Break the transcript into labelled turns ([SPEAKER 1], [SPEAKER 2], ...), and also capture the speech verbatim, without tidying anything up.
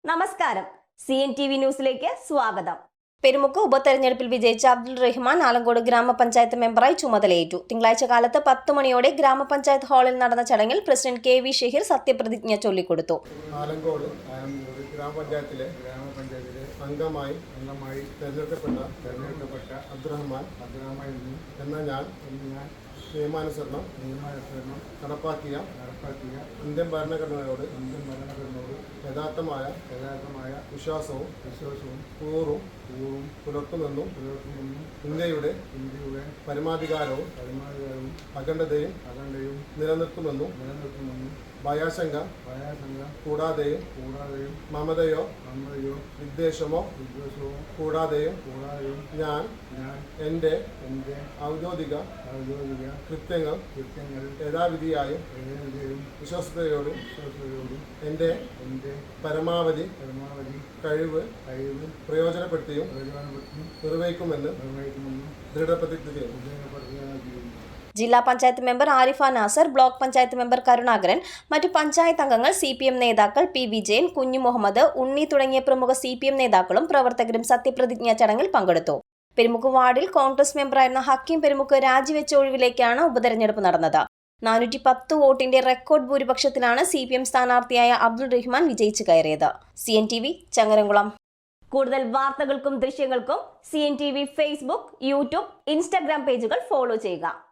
[SPEAKER 1] നമസ്കാരം. C N T V ന്യൂസിലേക്ക് സ്വാഗതം. പെരുമുക്ക് ഉപതെരഞ്ഞെടുപ്പിൽ വിജയിച്ച അബ്ദുൾ റഹ്മാൻ ആലങ്കോട് ഗ്രാമപഞ്ചായത്ത് മെമ്പറായി ചുമതലയേറ്റു. തിങ്കളാഴ്ച കാലത്ത് പത്ത് മണിയോടെ ഗ്രാമപഞ്ചായത്ത് ഹാളിൽ നടന്ന ചടങ്ങിൽ പ്രസിഡന്റ് കെ വി ഷഹീർ സത്യപ്രതിജ്ഞ ചൊല്ലിക്കൊടുത്തു.
[SPEAKER 2] ആലങ്കോട് ഗ്രാമപഞ്ചായത്തിലെ ഗ്രാമപഞ്ചായത്തിലെ അംഗമായി അംഗമായി തെരഞ്ഞെടുക്കപ്പെട്ട തെരഞ്ഞെടുക്കപ്പെട്ട അബ്ദുറഹ്മാൻ അബ്ദുറഹ്മാൻ എന്ന ഞാൻ എന്ന് ഞാൻ നിയമാനുസരണം നിയമാനുസരണം നടപ്പാക്കിയ നടപ്പാക്കിയ ഇന്ത്യൻ ഭരണഘടനയോട് ഇന്ത്യൻ ഭരണഘടനയോട് യഥാർത്ഥമായ യഥാർത്ഥമായ വിശ്വാസവും വിശ്വാസവും കൂറും കൂറും പുലർത്തുമെന്നും പുലർത്തുമെന്നും ഇന്ത്യയുടെ ഇന്ത്യയുടെ പരമാധികാരവും പരമാധികാരവും അഖണ്ഡതയും അഖണ്ഡതയും നിലനിർത്തുമെന്നും നിലനിർത്തുമെന്നും ഭയാശങ്ക ഭയാശങ്ക കൂടാതെയും കൂടാതെയും മമതയോ മമതയോ വിദ്വേഷമോ വിദ്വേഷമോ കൂടാതെയും കൂടാതെയും ഞാൻ ഞാൻ എൻ്റെ എൻ്റെ ഔദ്യോഗിക ഔദ്യോഗിക കൃത്യങ്ങൾ കൃത്യങ്ങൾ യഥാവിധിയായും യഥാവിധിയായും വിശ്വസ്തയോടും വിശ്വസ്തയോടും എൻ്റെ എൻ്റെ പരമാവധി പരമാവധി കഴിവ് കഴിവ് പ്രയോജനപ്പെടുത്തിയും പ്രയോജനപ്പെടുത്തിയും നിർവഹിക്കുമെന്ന് നിർവഹിക്കുമെന്ന് ദൃഢപ്രതിജ്ഞ ചെയ്യുന്നു.
[SPEAKER 1] ജില്ലാ panchayat member Arifa Nasar, block panchayat member Karunakaran, മറ്റു പഞ്ചായത്ത് അംഗങ്ങൾ, സി പി എം നേതാക്കൾ പി വിജയൻ, കുഞ്ഞു മുഹമ്മദ്, ഉണ്ണി തുടങ്ങിയ പ്രമുഖ സി പി എം നേതാക്കളും പ്രവർത്തകരും സത്യപ്രതിജ്ഞാ ചടങ്ങിൽ പങ്കെടുത്തു. പെരുമുക്ക് വാർഡിൽ കോൺഗ്രസ് മെമ്പറായിരുന്ന ഹക്കീം പെരുമുക്ക് രാജിവെച്ച ഒഴിവിലേക്കാണ് ഉപതെരഞ്ഞെടുപ്പ് നടന്നത്. നാനൂറ്റി പത്ത് വോട്ടിന്റെ റെക്കോർഡ് ഭൂരിപക്ഷത്തിലാണ് സി പി എം സ്ഥാനാർത്ഥിയായ അബ്ദുൾ റഹ്മാൻ വിജയിച്ചു കയറിയത്. C N T V Changaramkulam. കൂടുതൽ വാർത്തകൾക്കും ദൃശ്യങ്ങൾക്കും C N T V Facebook, YouTube, Instagram പേജുകൾ ഫോളോ ചെയ്യുക.